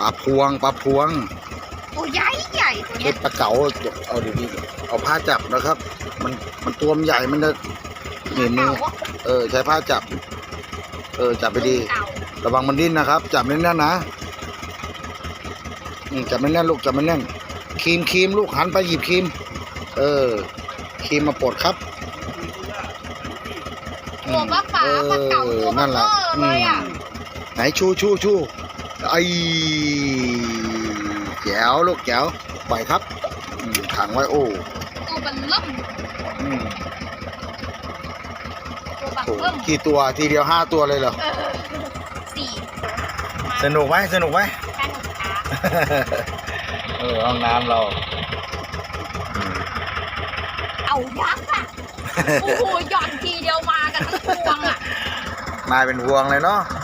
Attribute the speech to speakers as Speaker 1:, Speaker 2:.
Speaker 1: ปลาพวง
Speaker 2: ตัวใหญ่ตัวเนี้ย
Speaker 1: ปลาเก๋าเอาดีๆเอาผ้าจับนะครับ มันตัวมันใหญ่มันจะหนีบมือใช้ผ้าจับจับไปดีระวังมันดิ้นนะครับ จับแน่นๆนะจับแน่นๆลูกจับแน่นๆครีมลูกหันไปหยิบครีมครีมมาปลดครับ
Speaker 2: ตัวปลาเก๋าตัวมันเลยอ่ะ
Speaker 1: ไหนชูไอ้แจ๋วลูกแจ๋วปล่อยครับขังไว้โอ้
Speaker 2: ตัวมันล่มตัวบัก
Speaker 1: โอ้
Speaker 2: เบิ้ม
Speaker 1: กี่ตัวทีเดียว5 ตัวเลยเหรอ
Speaker 2: 4
Speaker 1: สนุกไหม
Speaker 2: สนุกค่ะ
Speaker 1: ห้องน้ำเรา
Speaker 2: เอายักษ์อ่ะโอ้โหหย่อนทีเดียวมากันทั้งพวงอ่ะ
Speaker 1: มาเป็นพวงเลยเนาะ